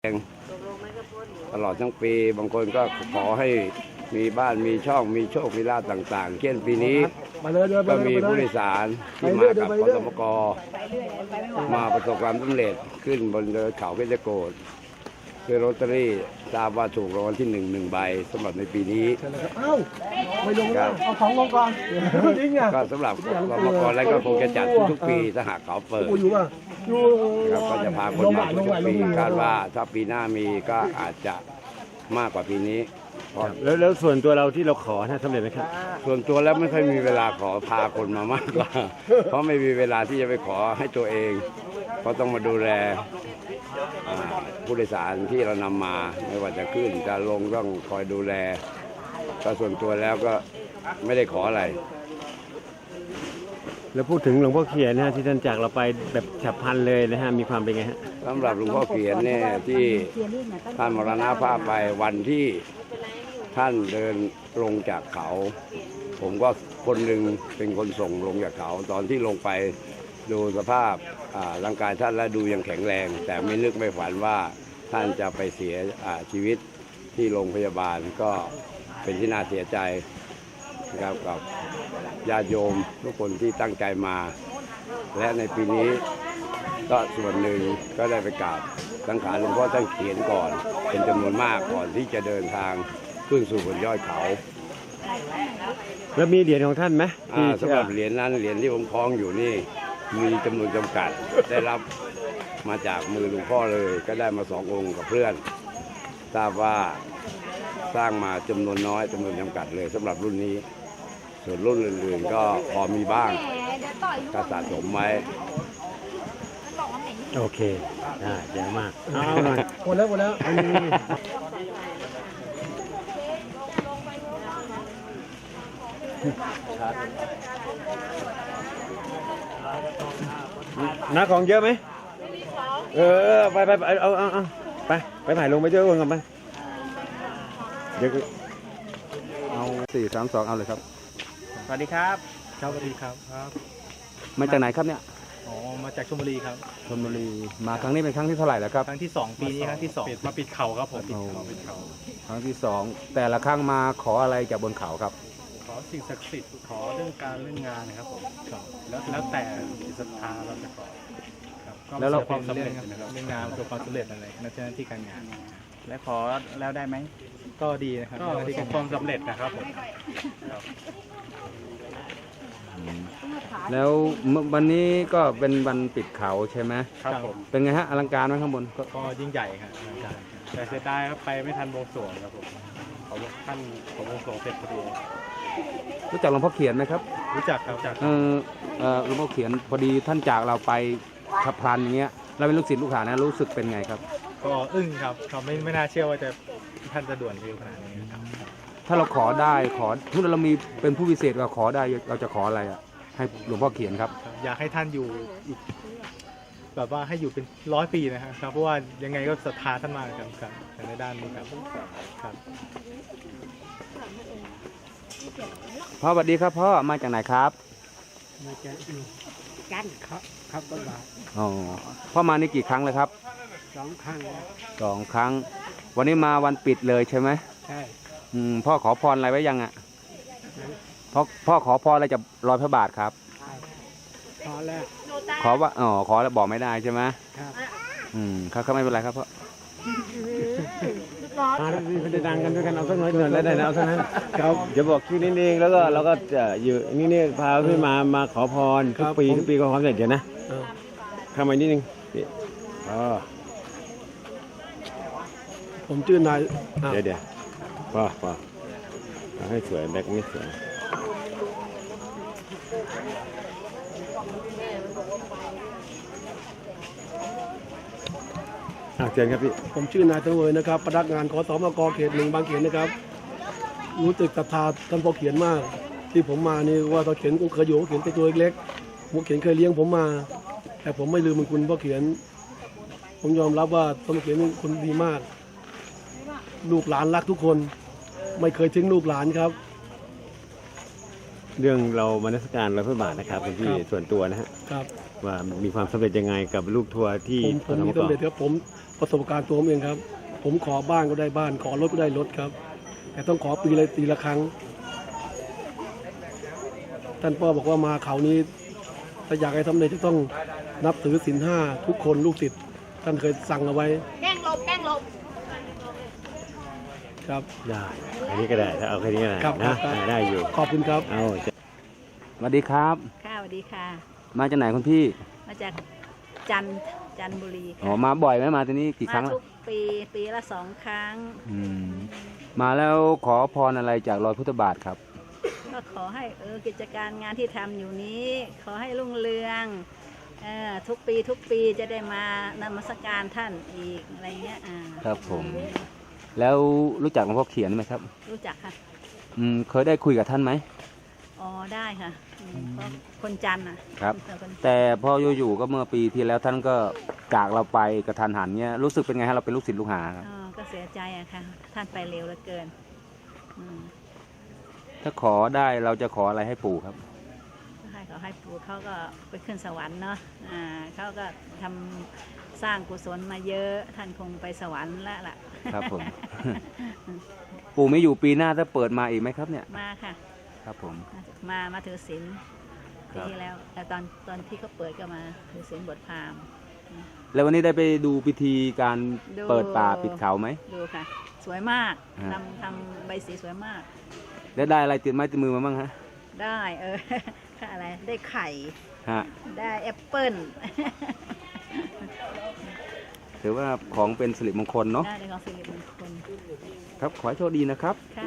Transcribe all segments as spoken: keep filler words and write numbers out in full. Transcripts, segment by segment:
ตลอดทั้งปีบางคนก็ขอให้มีบ้านมีช่องมีโชคมีลาภต่างๆเช่นปีนี้ก็มีผู้โดยสารที่มากับขสมกมาประสบความสำเร็จขึ้นบนเขาเพชรโกฏคือลอตเตอรี่ทราบว่าถูกรางวัลที่หนึ่งหนึ่งใบสำหรับในปีนี้เอ้าไม่ลงแล้วเอาของลงก่อนจริงอ่ะก็สำหรับกสมกแล้วก็คงจะจัดทุกๆปีถ้าหากเขาเปิดครับก็จะพาคนมาทุกปีคาดว่าถ้าปีหน้ามีก็อาจจะมากกว่าปีนี้แล้วแล้วส่วนตัวเราที่เราขอนะสำเร็จไหมครับส่วนตัวแล้วไม่ค่อยมีเวลาขอพาคนมามากกว่าเพราะไม่มีเวลาที่จะไปขอให้ตัวเองเพราะต้องมาดูแลผู้โดยสารที่เรานำมาไม่ว่าจะขึ้นจะลงต้องคอยดูแลก็ส่วนตัวแล้วก็ไม่ได้ขออะไรแล้วพูดถึงหลวงพ่อเขียนนะฮะที่ท่านจากเราไปแบบฉับพลันเลยนะฮะมีความเป็นไงฮะสำหรับหลวงพ่อเขียนเนี่ยที่ท่านมรณภาพไปวันที่ท่านเดินลงจากเขาผมก็คนหนึ่งเป็นคนส่งลงจากเขาตอนที่ลงไปดูสภาพร่างกายท่านแล้วดูยังแข็งแรงแต่ไม่นึกไม่ฝันว่าท่านจะไปเสียชีวิตที่โรงพยาบาลก็เป็นที่น่าเสียใจนะครับกับญาติโยมทุกคนที่ตั้งใจมาและในปีนี้ก็ส่วนหนึ่งก็ได้ไปกราบสังขารหลวงพ่อท่านเขียนก่อนเป็นจำนวนมากก่อนที่จะเดินทางขึ้นสู่บนยอดเขาแล้วมีเหรียญของท่านไหมสำหรับเหรียญนั้นเหรียญที่ผมคล้องอยู่นี่มีจำนวนจำกัดได้รับมาจากมือหลวงพ่อเลยก็ได้มาสององค์กับเพื่อนทราบว่าสร้างมาจำนวนน้อยจำนวนจำกัดเลยสำหรับรุ่นนี้ส่วนรุ่นอื่นๆก็พอมีบ้างก็สะสมไว้โอเคได้เยอะมากเอาหน่อยหมดแล้วหมดแล้วน้าของเยอะไหมเออไปไปเอาเอาเอาไปไปถ่ายลงไปเจอคนกันไปเดี๋ยวเอาสี่สามสองเอาเลยครับสวัสดีครับครับสวัสดีครับครับมาจากไหนครับเนี่ยอ๋อมาจากชลบุรีครับชลบุรีมาครั้งนี้เป็นครั้งที่เท่าไหร่แล้วครับครั้งที่สองปีนี้ครั้งที่สองมาปิดเขาครับผมปิดเขาครั้งที่สองแต่ละครั้งมาขออะไรจากบนเขาครับขอสิ่งศักดิ์สิทธิ์ขอเรื่องการเรื่องงานนะครับผมแล้วแล้วแต่จิตศรัทธาเราจะขอแล้วเราความสำเร็จนะครับเรื่องงานประสบความสำเร็จอะไรในหน้าที่การงานและขอแล้วได้ไหมก็ดีนะครับก็ประสบความสำเร็จนะครับผมแล้ววันนี้ก็เป็นวันปิดเขาใช่ไหมครับผมเป็นไงฮะอลังการไหมข้างบนก็ยิ่งใหญ่ครับอลังการแต่เสียดายครับไปไม่ทันบวงสรวงครับผมเขาท่านของบวงสรวงเสร็จพอดีรู้จักหลวงพ่อเขียนไหมครับรู้จักครับจากเออเออหลวงพ่อเขียนพอดีท่านจากเราไปขับพลันอย่างเงี้ยเราเป็นลูกศิษย์ลูกหานะรู้สึกเป็นไงครับก็อึ้งครับเขาไม่ไม่น่าเชื่อว่าจะท่านจะด่วนเร็วขนาดนี้ครับถ้าเราขอได้ขอทุกเรามีเป็นผู้พิเศษเราขอได้เราจะขออะไรอ่ะให้หลวงพ่อเขียนครับอยากให้ท่านอยู่อีกแบบว่าให้อยู่เป็นร้อยปีนะครับเพราะว่ายังไงก็ศรัทธาท่านมากครับครับในด้านนี้ครับครับพ่อสวัสดีครับพ่อมาจากไหนครับมาจากจันครับครับต้นบาทอ๋อพ่อมานี่กี่ครั้งเลยครับสองครั้งสองครั้งวันนี้มาวันปิดเลยใช่ไหมใช่อืมพ่อขอพรอะไรไว้ยังอ่ะพ่อพ่อขอพรอะไรจากรอยพระบาทครับขอแล้วขอว่าอ๋อขอแล้วบอกไม่ได้ใช่ไหมครับอืมครับไม่เป็นไรครับพ่อมาไม่ได้ดังกันด้วยกันเอาสักน้อยเงินแล้วได้นะเอาสักนั้นครับจะบอกชื่อนิดนึงแล้วก็เราก็จะอยู่นี่นี่พาขึ้นมามาขอพรทุกปีทุกปีก็ขอเสร็จเดี๋ยวนะเข้ามานิดนึงอ๋อผมชื่อนายเดี๋ยวเดี๋ยวพ่อพ่อให้สวยแบ็คไม่สวยเชิญครับพี่ผมชื่อนายตะเวยนะครับพนักงานขสมกเขตหนึ่งบางเขนนะครับรู้สึกศรัทธาท่านพ่อเขียนมากที่ผมมานี่ว่าพ่อเขียนก็เคยอยู่พ่อเขียนตัวเล็กๆพ่อเขียนเคยเลี้ยงผมมาแต่ผมไม่ลืมคุณพ่อเขียนผมยอมรับว่าพ่อเขียนเป็นคนดีมากลูกหลานรักทุกคนไม่เคยทิ้งลูกหลานครับเรื่องเรามนมัสการรอยพระบาทนะครับเป็นที่ส่วนตัวนะฮะว่ามีความสำเร็จยังไงกับลูกทัวร์ที่ผมผมมีสำเร็จครับผมประสบการณ์ตัวผมเองครับ ผมขอบ้านก็ได้บ้าน ขอรถก็ได้รถครับ แต่ต้องขอปีละปีละครั้งท่านพ่อบอกว่ามาเขานี้ถ้าอยากให้ทำได้จะต้องนับถือศีลห้าทุกคนลูกศิษย์ท่านเคยสั่งเอาไว้แกล้งหลบแกล้งหลบครับได้อันนี้ก็ได้ถ้าเอาแค่นี้ก็ได้ครับนะครับ ได้อยู่ขอบคุณครับเอาสวัสดีครับค่ะสวัสดีค่ะมาจากไหนคุณพี่มาจากจันทร์จันทบุรีอ๋อค่ะมาบ่อยไหมมาที่นี่กี่ครั้งมาแล้วทุกปีปีละสองครั้งอืมมาแล้วขอพรอะไรจากรอยพุทธบาทครับก็ขอให้เออกิจการงานที่ทำอยู่นี้ ขอให้รุ่งเรืองเออทุกปีทุกปีจะได้มานมัสการท่านอีกอะไรเงี้ยอ่าครับผม แล้วรู้จักหลวงพ่อเขียนไหมครับรู้จักค่ะอืมเคยได้คุยกับท่านไหมอ๋อได้ค่ะอืมเพราะคนจันทร์อ่ะครับเป็นคนแต่พออยู่ๆก็เมื่อปีที่แล้วท่านก็จากเราไปกระทันหันเนี้ยรู้สึกเป็นไงฮะเราเป็นลูกศิษย์ลูกหาครับอ๋อก็เสียใจอะค่ะ ท่านไปเร็วเหลือเกินอืมถ้าขอได้เราจะขออะไรให้ปู่ครับให้เขาให้ปู่เขาก็ไปขึ้นสวรรค์เนาะอ่าเขาก็ทำสร้างกุศลมาเยอะท่านคงไปสวรรค์แล้วล่ะครับผม ปู่ไม่อยู่ปีหน้าถ้าเปิดมาอีกไหมครับเนี่ยมาค่ะครับผมมามาถือศีลครัปีบที่แล้วแต่ตอนตอนที่เขาเปิดก็มาถือศีลบวชพราหมณ์แล้ววันนี้ได้ไปดูพิธีการดูเปิดป่าปิดเขาไหมดูค่ะ สวยมากฮะทำทำใบสีสวยมากแล้วได้อะไรติดไม้ติดมือมาบ้างฮะได้เออ ค่ะอะไรได้ไข่ฮะได้แอปเปิ้ลถือว่าของเป็นสิริมงคลเนาะได้ในของสิริมงคลครับ ขอให้โชคดีนะครับค่ะ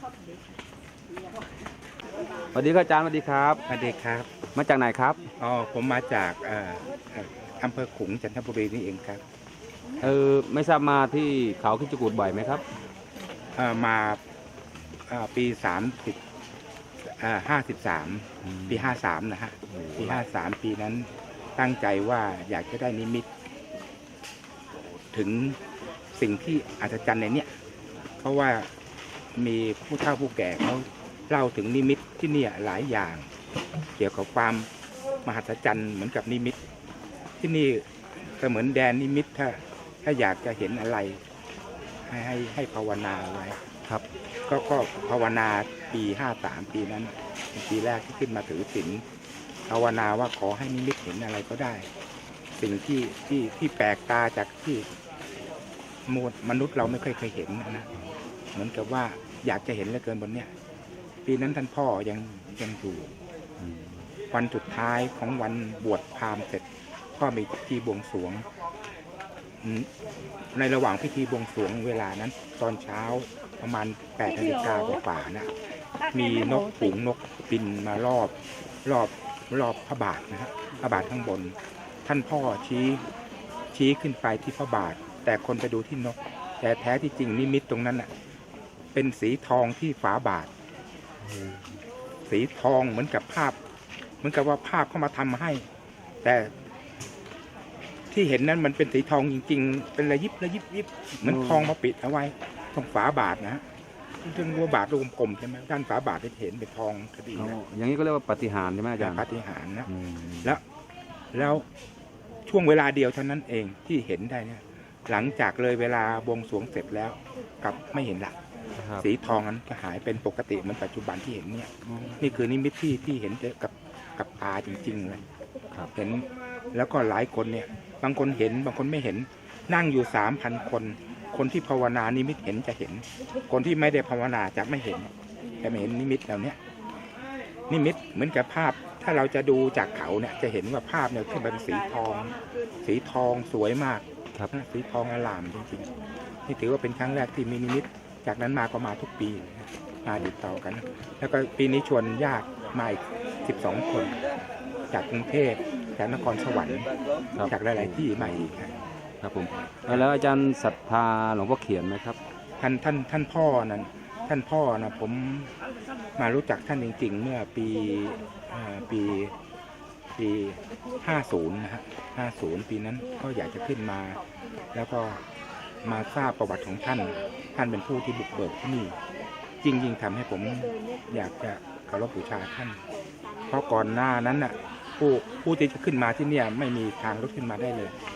สวัสดีครับอาจารย์สวัสดีครับสวัสดีครับมาจากไหนครับอ๋อผมมาจากเอ่อเอ่ออำเภอขลุงจันทบุรีนี่เองครับเออไม่ทราบมาที่เขาคิดจกูดบ่อยไหมครับเอ่อมาเอ่อปีสามสิบห้าสิบสามปีห้าสามนะฮะปีห้าสามปีนั้นตั้งใจว่าอยากจะได้นิมิต ถึงสิ่งที่อัศจรรย์ในเนี้ยเพราะว่ามีผู้เฒ่าผู้แก่เขาเล่าถึงนิมิตที่เนี่ยหลายอย่าง เกี่ยวกับความมหัศจรรย์เหมือนกับนิมิต ที่นี่ก็เหมือนแดนนิมิตถ้าถ้าอยากจะเห็นอะไรให้ให้ให้ภาวนาไว้ครับก็ก็ภาวนาปีห้าสามปีนั้นเป็นปีแรกที่ขึ้นมาถือศีลภาวนาว่าขอให้นิมิตเห็นอะไรก็ได้ สิ่งที่ที่ที่แปลกตาจากที่มนุษย์เราไม่เคยเคยเห็นนะเหมือนกับว่าอยากจะเห็นเหลือเกินบนเนี้ยปีนั้นท่านพ่อยังยังอยู่วันสุดท้ายของวันบวชพราหมณ์เสร็จก็มีพิธีบวงสรวงอืมในระหว่างพิธีบวงสรวงเวลานั้น ตอนเช้าประมาณแปดนาฬิกากว่าๆนะมีนกฝูงนกบินมารอบรอบรอบพระบาทนะฮะพระบาทข้างบน ท่านพ่อชี้ชี้ขึ้นไปที่พระบาท แต่คนไปดูที่นก แต่แท้ที่จริงนิมิตตรงนั้นน่ะเป็นสีทองที่ฝาบาท สีทองเหมือนกับภาพ เหมือนกับว่าภาพเข้ามาทำมาให้ แต่ที่เห็นนั้นมันเป็นสีทองจริงๆ เป็นระยิบระยิบยิบเหมือนทองมาปิดเอาไว้ตรงฝาบาทนะฮะซึ่งว่าบาทรูปกลมใช่ไหมด้านฝาบาทจะเห็นเป็นทองคดีอ๋อนะอย่างนี้ก็เรียกว่าปาฏิหารย์ใช่ไหมอาจารย์ปาฏิหาริย์นะอืมแล้วแล้วช่วงเวลาเดียวเท่านั้นเองที่เห็นได้เนี่ยหลังจากเลยเวลาบวงสรวงเสร็จแล้วกลับไม่เห็นละครับสีทองนั้นก็หายเป็นปกติเหมือนปัจจุบันที่เห็นเนี่ยนี่คือนิมิตที่ที่เห็นกับกับตาจริงๆเลยครับเห็นแล้วก็หลายคนเนี่ยบางคนเห็นบางคนไม่เห็นนั่งอยู่สามพันคน คนที่ภาวนานิมิตเห็นจะเห็น คนที่ไม่ได้ภาวนาจะไม่เห็นจะไม่เห็นนิมิตเหล่านี้นิมิตเหมือนกับภาพ ถ้าเราจะดูจากเขาเนี่ยจะเห็นว่าภาพเนี่ยขึ้นมาเป็นสีทอง สีทองสวยมากครับสีทองอลามจริงๆนี่ถือว่าเป็นครั้งแรกที่มีนิมิตจากนั้นมาก็มาทุกปีมาติดต่อกัน แล้วก็ปีนี้ชวนญาติมาอีกสิบสองคน จากกรุงเทพจากนครสวรรค์ครับจากหลายๆที่มาอีกครับครับผม แล้วอาจารย์ศรัทธาหลวงพ่อเขียนไหมครับท่านท่านท่านพ่อนั้นท่านพ่อนะผมมารู้จักท่านจริงๆ เมื่อปีเอ่อปีปีห้าสิบนะฮะห้าสิบปีนั้นก็อยากจะขึ้นมา แล้วก็มาทราบประวัติของท่าน ท่านเป็นผู้ที่บุกเบิกที่นี่จริงๆทำให้ผมอยากจะเคารพบูชาท่าน เพราะก่อนหน้านั้นน่ะผู้ผู้ที่จะขึ้นมาที่เนี่ยไม่มีทางรถขึ้นมาได้เลย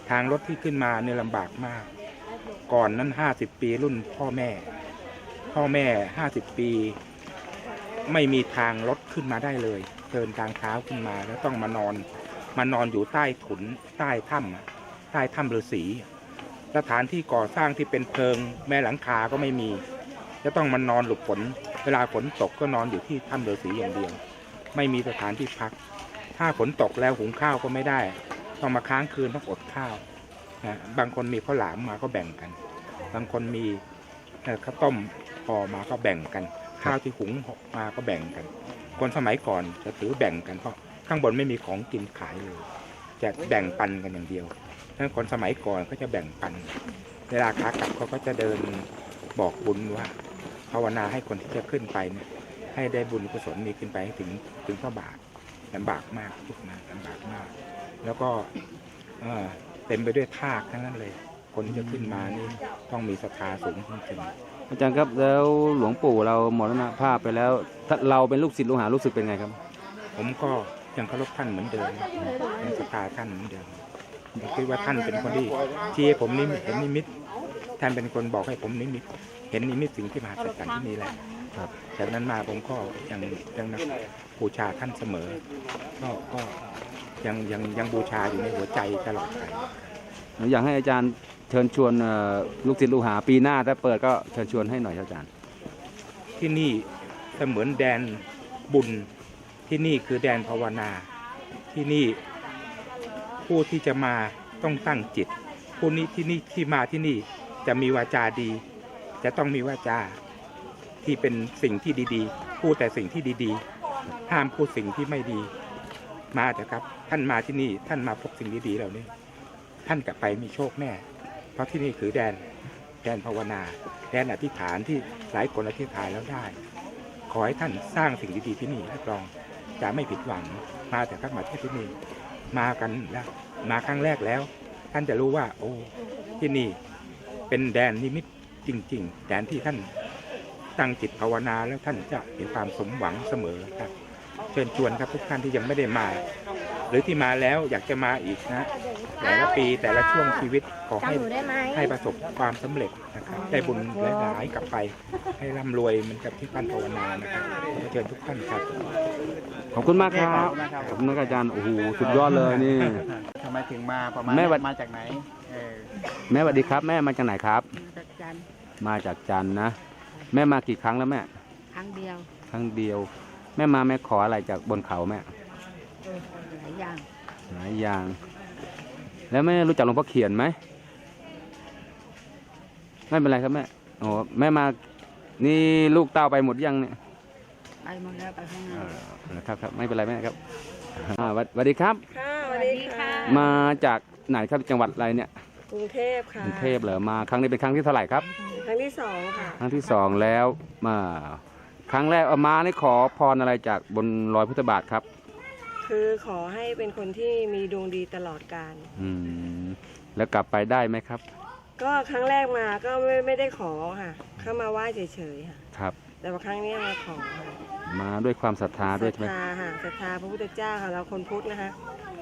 ทางรถที่ขึ้นมาเนี่ยลำบากมาก ก่อนนั้นห้าสิบปีรุ่นพ่อแม่ พ่อแม่ห้าสิบปี ไม่มีทางรถขึ้นมาได้เลย เดินทางเท้าขึ้นมาแล้วต้องมานอนมานอนอยู่ใต้ถุนใต้ถ้ำใต้ถ้ำฤาษีสถานที่ก่อสร้างที่เป็นเพลิงแม้หลังคาก็ไม่มีจะต้องมานอนหลบฝนเวลาฝนตกก็นอนอยู่ที่ถ้ำฤาษีอย่างเดียวไม่มีสถานที่พักถ้าฝนตกแล้วหุงข้าวก็ไม่ได้ต้องมาค้างคืนต้องอดข้าวนะบางคนมีข้าวหลามมาก็แบ่งกัน บางคนมีข้าวต้มห่อมาก็แบ่งกันข้าวที่หุงมาก็แบ่งกันคนสมัยก่อนจะถือแบ่งกันเพราะข้างบนไม่มีของกินขายเลยจะแบ่งปันกันอย่างเดียวถ้าคนสมัยก่อนก็จะแบ่งปันเวลาขากลับเขาก็จะเดินบอกบุญว่าภาวนาให้คนที่จะขึ้นไปเนี่ยให้ได้บุญกุศลมีขึ้นไปให้ถึงถึงพระบาทลำบากมากทุกนะลำบากมากแล้วก็เต็มไปด้วยทากทั้งนั้นเลยคนที่จะขึ้นมานี่ต้องมีศรัทธาสูงจริงๆอาจารย์ครับแล้วหลวงปู่เรามรณภาพไปแล้วถ้าเราเป็นลูกศิษย์ลูกหารู้สึกเป็นไงครับผมก็ยังเคารพท่านเหมือนเดิมยังศรัทธาท่านเหมือนเดิมผมคิดว่าท่านเป็นคนที่ที่ให้ผมนิมิตเห็นนิมิตท่านเป็นคนบอกให้ผมนิมิตเห็นนิมิตสิ่งที่มหัศจรรย์ที่นี่แหละครับจากนั้นมาผมก็ยังยังนับบูชาท่านเสมอก็ก็ยังยังยังบูชาอยู่ในหัวใจตลอดไปอยากให้อาจารย์เชิญชวนลูกศิษย์ลูกหาปีหน้าถ้าเปิดก็เชิญชวนให้หน่อยครับอาจารย์ที่นี่เสมือนแดนบุญที่นี่คือแดนภาวนาที่นี่ผู้ที่จะมาต้องตั้งจิตผู้นี้ที่นี่ที่มาที่นี่จะมีวาจาดีจะต้องมีวาจาที่เป็นสิ่งที่ดีๆพูดแต่สิ่งที่ดีๆห้ามพูดสิ่งที่ไม่ดีมาเถอะครับท่านมาที่นี่ท่านมาพบสิ่งดีๆเหล่านี้ท่านกลับไปมีโชคแน่เพราะที่นี่คือแดนแดนภาวนาแดนอธิษฐานที่หลายคนอธิษฐานแล้วได้ขอให้ท่านสร้างสิ่งดีๆที่นี่รับรองจะไม่ผิดหวังมาแต่ครับมาที่ที่นี่มากันแล้วมาครั้งแรกแล้วท่านจะรู้ว่าโอ้ที่นี่เป็นแดนนิมิตจริงๆแดนที่ท่านตั้งจิตภาวนาแล้วท่านจะเห็นความสมหวังเสมอครับเชิญชวนครับทุกท่านที่ยังไม่ได้มาหรือที่มาแล้วอยากจะมาอีกนะแต่ละปีแต่ละช่วงชีวิตขอให้ให้ประสบความสำเร็จนะครับได้บุญหลายๆกลับไปให้ร่ำรวยเหมือนกับที่ท่านภาวนานะครับเชิญทุกท่านครับขอบคุณมากครับขอบคุณอาจารย์โอ้โหสุดยอดเลยนี่ทำไมถึงมาประมาณมาจากไหนแม่สวัสดีครับแม่มาจากไหนครับมาจากจันทร์นะแม่มากี่ครั้งแล้วแม่ครั้งเดียวครั้งเดียวแม่มาแม่ขออะไรจากบนเขาแม่หลายอย่างหลายอย่างแล้วแม่รู้จักหลวงพ่อเขียนไหมไม่เป็นไรครับแม่โอ้แม่มานี่ลูกเต้าไปหมดยังเนี่ยไปหมดแล้วไปข้างหน้าครับครับไม่เป็นไรแม่ครับสวัสดีครับค่ะสวัสดีค่ะมาจากไหนครับจังหวัดอะไรเนี่ยกรุงเทพค่ะกรุงเทพเหรอมาครั้งนี้เป็นครั้งที่เท่าไหร่ครับครั้งที่สองค่ะครั้งที่สองแล้วมาครั้งแรกเอามานี่ขอพรอะไรจากบนรอยพุทธบาทครับคือขอให้เป็นคนที่มีดวงดีตลอดกาลอืมแล้วกลับไปได้ไหมครับก็ครั้งแรกมาก็ไม่ไม่ได้ขอค่ะเข้ามาไหว้เฉยๆค่ะครับแต่ว่าครั้งนี้มาขอมาด้วยความศรัทธาด้วยใช่ไหมศรัทธาค่ะศรัทธาพระพุทธเจ้าค่ะเราคนพุทธนะคะ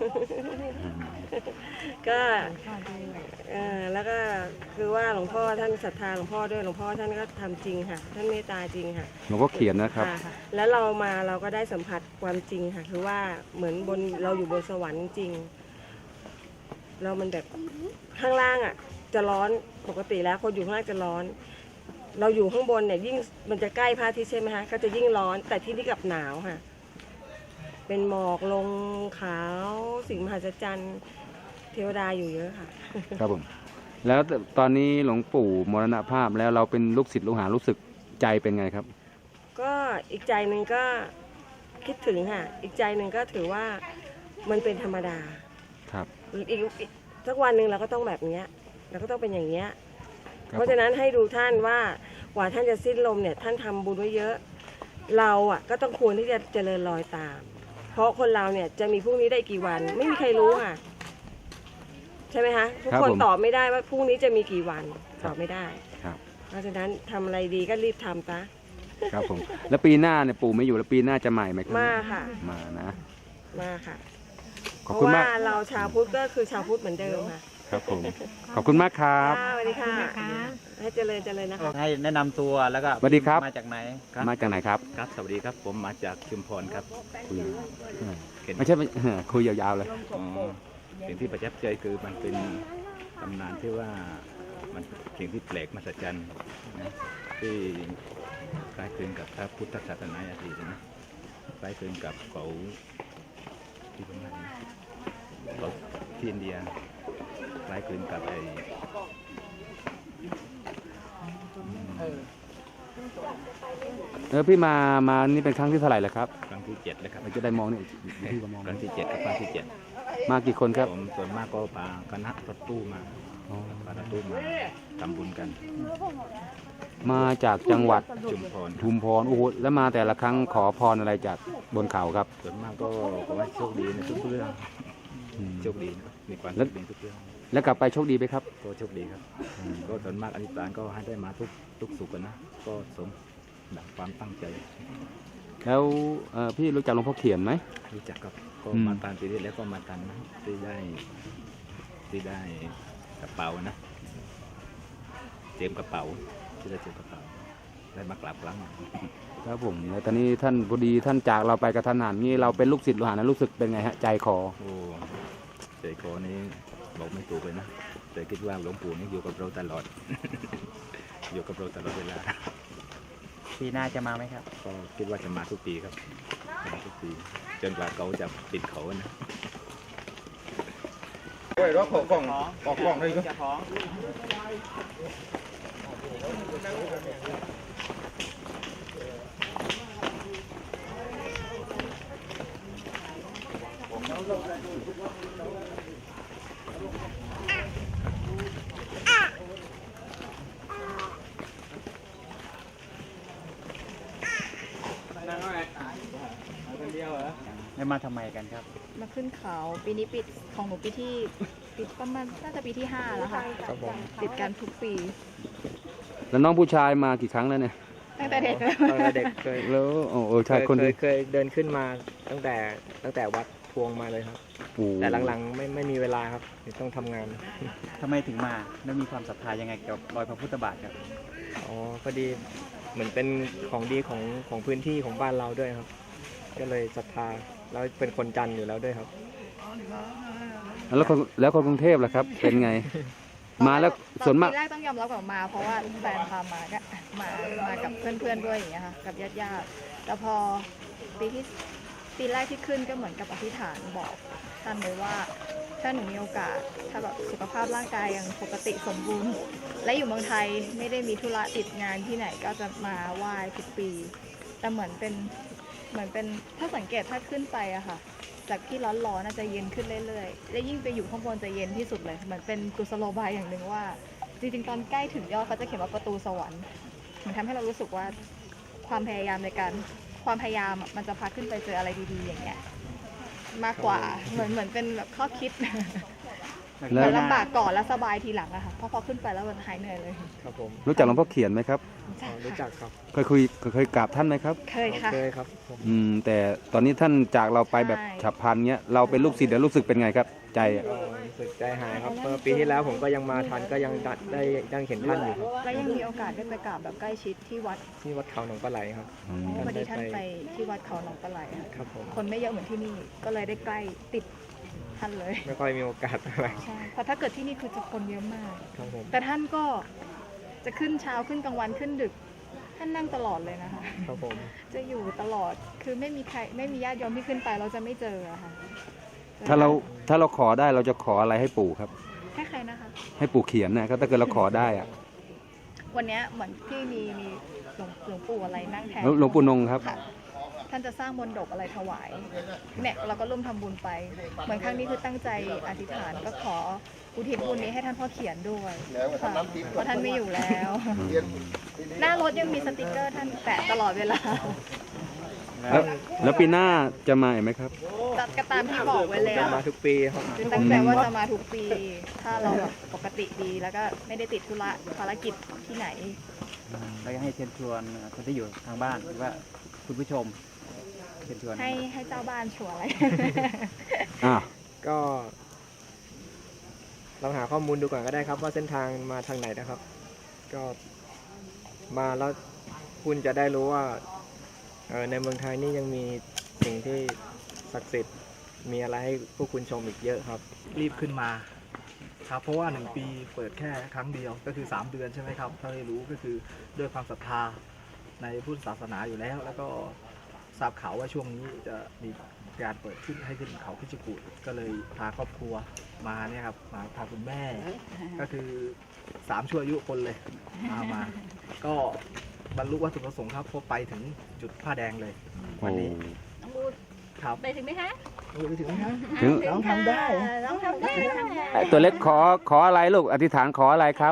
ก็เออแล้วก็คือว่าหลวงพ่อท่านศรัทธาหลวงพ่อด้วยหลวงพ่อท่านก็ทำจริงค่ะท่านเมตตาจริงค่ะหลวงพ่อเขียนนะครับแล้วเรามาเราก็ได้สัมผัสความจริงค่ะคือว่าเหมือนบนเราอยู่บนสวรรค์จริงเรามันแบบข้างล่างอ่ะจะร้อนปกติแล้วคนอยู่ข้างล่างจะร้อนเราอยู่ข้างบนเนี่ยยิ่งมันจะใกล้พระอาทิตย์ใช่ไหมคะก็จะยิ่งร้อนแต่ที่นี่กับหนาวค่ะเป็นหมอกลงขาวสิ่งมหัศจรรย์เทวดาอยู่เยอะค่ะครับผมแล้วตอนนี้หลวงปู่มรณภาพแล้วเราเป็นลูกศิษย์ลูกหารู้สึกใจเป็นไงครับก็อีกใจหนึ่งก็คิดถึงค่ะอีกใจหนึ่งก็ถือว่ามันเป็นธรรมดาครับอีกสักวันหนึ่งเราก็ต้องแบบนี้เราก็ต้องเป็นอย่างนี้เพราะฉะนั้นให้ดูท่านว่ากว่าท่านจะสิ้นลมเนี่ยท่านทำบุญไว้เยอะเราอ่ะก็ต้องควรที่จะเจริญรอยตามเพราะคนเราเนี่ยจะมีพรุ่งนี้ได้กี่วันไม่มีใครรู้ค่ะใช่ไหมคะทุกคนตอบไม่ได้ว่าพรุ่งนี้จะมีกี่วันตอบไม่ได้เพราะฉะนั้นทำอะไรดีก็รีบทำซะครับผมแล้วปีหน้าเนี่ยปู่ไม่อยู่แล้วปีหน้าจะใหม่ไหมครับมาค่ะมานะมาค่ะขอบคุณมากเพราะว่าเราชาวพุทธก็คือชาวพุทธเหมือนเดิมค่ะครับผม ขอบคุณมากครับค่ะสวัสดีค่ะให้เจริญเจริญนะคะให้แนะนำตัวแล้วก็สวัสดีครับมาจากไหนมาจากไหนครับครับสวัสดีครับผมมาจากชุมพรครับไม่ใช่ไม่ คุยยาวๆเลยอ๋อสิ่งที่ประทับใจคือมันเป็นตำนานที่ว่ามันสิ่งที่แปลกมหัศจรรย์นะที่คล้ายคลึงกับพระพุทธศาสนาอดีตนะคล้ายคลึงกับเขาที่ประมาณนี้เขาที่อินเดียคล้ายคลึงกับไอ้เออพี่มา มานี่เป็นครั้งที่เท่าไหร่แล้วครับครั้งที่เจ็ดแล้วครับเราจะได้มองนี่พี่ก็มองครั้งที่เจ็ดกับครั้งที่เจ็ดมากี่คนครับผมส่วนมากก็พาคณะรถตู้มาพารถตู้มาทำบุญกันมาจากจังหวัดชุมพรชุมพรโอ้โหแล้วมาแต่ละครั้งขอพรอะไรจากบนเขาครับส่วนมากก็ขอให้โชคดีในทุกเรื่องอืมโชคดีนะมีความแล้สุวขในทุกเรื่องแล้วกลับไปโชคดีไหมครับก็โชคดีครับ ก็ส่วนมากอธิษฐานก็ให้ได้มาทุกทุกสุขกันนะ ก็สมดังความตั้งใจแล้วเอ่อพี่รู้จักหลวงพ่อเขียนไหมรู้จักครับก็อืมมาตามปีที่แล้วก็มาตามนะที่ได้ที่ได้กระเป๋านะเตรียมกระเป๋าที่ได้เตรียมกระเป๋าได้มากราบครั้งครับผมแล้วตอนนี้ท่านพอดีท่านจากเราไปกระทันหันนี่เราเป็นลูกศิษย์ลูกหานะรู้สึกเป็นไงฮะใจคอโอ้ใจคอนี้บอกไม่ถูกเลยนะ แต่คิดว่าหลวงปู่นี่อยู่กับเราตลอด อยู่กับเราตลอดเวลาปีหน้าจะมาไหมครับก็คิดว่าจะมาทุกปีครับมาทุกปีจนกว่าเขาจะปิดเขานะโอ้ยรถของกล่องออกกล่องเลยก็จะท้อง ได้มาทำไมกันครับมาขึ้นเขาปีนี้ปิดของหนูปีที่ปิดประมาณน่าจะปีที่ห้าแล้วค่ะติดกันทุกปีแล้วน้องผู้ชายมากี่ครั้งแล้วเนี่ยตั้งแต่เด็กเลยตอนเด็กเคยแล้วโอ้โอ้ใช่เคยคนเคที่ยเคยเดินขึ้นมาตั้งแต่ตั้งแต่วัดพวงมาเลยครับโอ้แต่หลังๆไม่ไม่มีเวลาครับต้องทำงานทำไมถึงมาแล้วมีความศรัทธายังไงกับรอยพระพุทธบาทครับอ๋อพอดีเหมือนเป็นของดีของของพื้นที่ของบ้านเราด้วยครับ ก็เลยศรัทธาแล้วเป็นคนจันทร์อยู่แล้วด้วยครับแล้วคนแล้วคนกรุงเทพล่ะครับ เป็นไง มาแล้วส่วนมากปีแรกต้องยอมรับก่อนมา เพราะว่าแฟนพามาก็มามากับเพื่อนๆด้วยอย่างเงี้ยค่ะกับญาติๆแล้วพอปีที่ปีแรกที่ขึ้นก็เหมือนกับอธิษฐานบอกท่านเลยว่าถ้าหนูมีโอกาสถ้าแบบสุขภาพร่างกายยังปกติสมบูรณ์ และอยู่เมืองไทยไม่ได้มีธุระติดงานที่ไหนก็จะมาไหว้ทุกปี แต่เหมือนเป็นเหมือนเป็นถ้าสังเกตถ้าขึ้นไปอะค่ะ จากที่ร้อนๆน่าจะเย็นขึ้นเรื่อยๆและยิ่งไปอยู่ข้างบนจะเย็นที่สุดเลยเหมือนเป็นกุศโลบายอย่างหนึ่งว่า จริงๆตอนใกล้ถึงยอดเขาจะเขียนว่าประตูสวรรค์มันทำให้เรารู้สึกว่าความพยายามในการความพยายามอะมันจะพาขึ้นไปเจออะไรดีๆอย่างเงี้ยมากกว่าเหมือนเหมือนเป็นแบบข้อคิดแล้เหวมือนลำบากก่อนแล้วสบายทีหลังอะค่ะเพราะพอขึ้นไปแล้วมันหายเหนื่อยเลยครับผมรู้จักหลวงพ่อเขียนไหมครับอ๋อรู้จักครับเคยคุยเคยกราบท่านไหมครับเคยค่ะเคยครับผมอืมแต่ตอนนี้ท่านจากเราไปแบบใช่ฉับพลันเงี้ยเราเป็นลูกศิษย์แล้วรู้สึกเป็นไงครับ ใจอะก็รู้สึกใจหายครับเมื่อปีที่แล้วผมก็ยังมาทันก็ยังได้ได้ยังเห็นท่านอยู่ครับและยังมีโอกาสได้ไปกราบแบบใกล้ชิดที่วัดที่วัดเขาหนองปลาไหลครับอืมพอดีท่านไปที่วัดเขาหนองปลาไหลอะครับผมคนไม่เยอะเหมือนที่นี่ก็เลยได้ใกล้ติดท่านเลยไม่ค่อยมีโอกาสอะไรใช่เพราะถ้าเกิดที่นี่คือจะคนเยอะมากครับผมแต่ท่านก็จะขึ้นเช้าขึ้นกลางวันขึ้นดึก ท่านนั่งตลอดเลยนะคะครับผมจะอยู่ตลอดคือไม่มีใครไม่มีญาติโยมที่ขึ้นไปเราจะไม่เจออะค่ะถ้าเราถ้าเราขอได้เราจะขออะไรให้ปู่ครับให้ใครนะคะให้ปู่เขียนนะครับถ้าเกิดเราขอได้อะวันเนี้ยเหมือนที่มีมีหลวงหลวงปู่อะไรนั่งแทนหลวงปู่นงครับค่ะท่านจะสร้างมนดบอะไรถวายเนี่ยเราก็ร่วมทำบุญไป เหมือนครั้งนี้คือตั้งใจอธิษฐานก็ขออุทิศบุญนี้ให้ท่านพ่อเขียนด้วยค่ะเพราะท่านไม่อยู่แล้ว หน้ารถยังมีสติกเกอร์ท่านแปะตลอดเวลาแล้วแล้วปีหน้าจะมาอีกไหมครับตัดกระตามที่บอกไว้แล้จะวมาทุกปีครับคือตั้งใจว่าจะมาทุกปี ถ้าเราแบบปกติดีแล้วก็ไม่ได้ติดธุระภารกิจที่ไหนเราจะให้เชิญชวนคนที่อยู่ทางบ้านหรือว่าคุณผู้ชมเชิญชวนให้ให้เจ้าบ้านชัวร์อะไรอ่าก็ลองหาข้อมูลดูก่อนก็ได้ครับว่าเส้นทางมาทางไหนนะครับ ก็มาแล้วคุณจะได้รู้ว่าเอ่อในเมืองไทยนี่ยังมีสิ่งที่ศักดิ์สิทธิ์มีอะไรให้พวกคุณชมอีกเยอะครับรีบขึ้นมาครับเพราะว่าหนึ่งปีเปิดแค่ครั้งเดียวก็คือสามเดือนใช่ไหมครับถ้าไม่รู้ก็คือด้วยความศรัทธาในพุทธศาสนาอยู่แล้ว แล้วก็ทราบข่าวว่าช่วงนี้จะมีการเปิดขึ้นให้ขึ้นเขาพิจิกูฏก็เลยพาครอบครัวมาเนี่ยครับมาพาคุณแม่ ก็คือสามชั่วอายุคนเลยมามา ก็บรรลุวัตถุประสงค์ครับพอไปถึงจุดผ้าแดงเลยวันนี้น้องบูครับไปถึงไหมคะไปถึงไหมฮะถึงน้องทำได้น้องทำได้ทำได้ไอ้ตัวเล็กขอขออะไรลูกอธิษฐานขออะไรครับ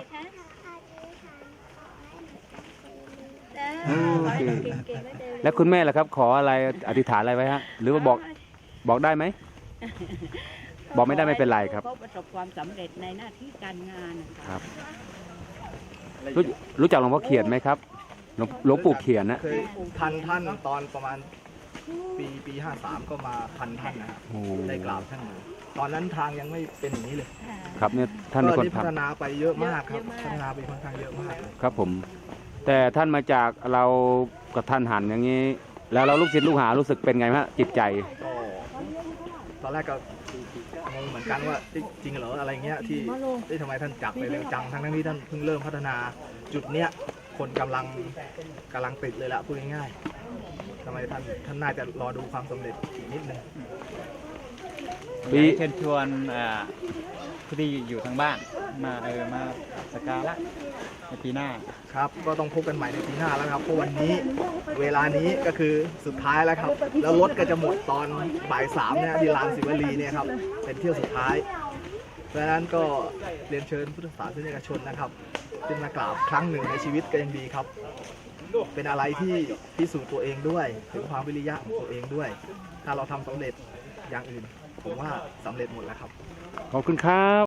เออขอให้เก่งๆได้เร็วๆแล้วคุณแม่ล่ะครับขออะไรอธิษฐานอะไรไว้ฮะหรือว่าบอกบอกได้ไหม บอกไม่ได้ไม่เป็นไรครับเขาประสบความสำเร็จในหน้าที่การงานนะคคะรับรู้รู้จักหลวงพ่อเขียนไหมครับหลวงหลวงปู่เขียนนะเคยพันท่านตอนประมาณปีปีห้าสามก็มาพันท่านนะครับโอ้ได้กราบท่านอยู่ตอนนั้นทางยังไม่เป็นอย่างนี้เลยครับเนี่ยท่านเป็นก็คนนี่พัฒทำนาไปเยอะมากครับพัฒนาไปค่อนข้างเยอะมากเลยครับผม แต่ท่านมาจากเรากับท่านหันอย่างนี้ แล้วเราลูกศิษย์ลูกหารู้สึกเป็นไงฮะจิตใจก็ตอนแรกก็งงเหมือนกันว่าเอ๊ะจริงเหรออะไรเงี้ยที่ที่ทำไมท่านจากไปเร็วจังทั้งทั้งที่ท่านเพิ่งเริ่มพัฒนาจุดเนี้ยคนกำลังกำลังติดเลยละพูดง่ายๆทำไมท่านท่านน่าจะรอดูความสำเร็จอีกนิดนึงปีเชิญชวนอ่าผู้ที่อยู่ทางบ้านมาเออมาสักการะในปีหน้าครับก็ต้องพบกันใหม่ในปีหน้าแล้วครับเพราะวันนี้เวลานี้ก็คือสุดท้ายแล้วครับ แล้วรถก็จะหมดตอนบ่ายสามเนี่ยที่ลานศิวลีเนี่ยครับเป็นเที่ยวสุดท้ายเพราะฉะนั้นก็เรียนเชิญพุทธศาสนิกชนนะครับขึ้นมากราบครั้งหนึ่งในชีวิตก็ยังดีครับ เป็นอะไรที่พิสูจน์ตัวเองด้วยถึงความวิริยะของตัวเองด้วย ถ้าเราทำสำเร็จอย่างอื่นผมว่าสำเร็จหมดแล้วครับขอบคุณครับ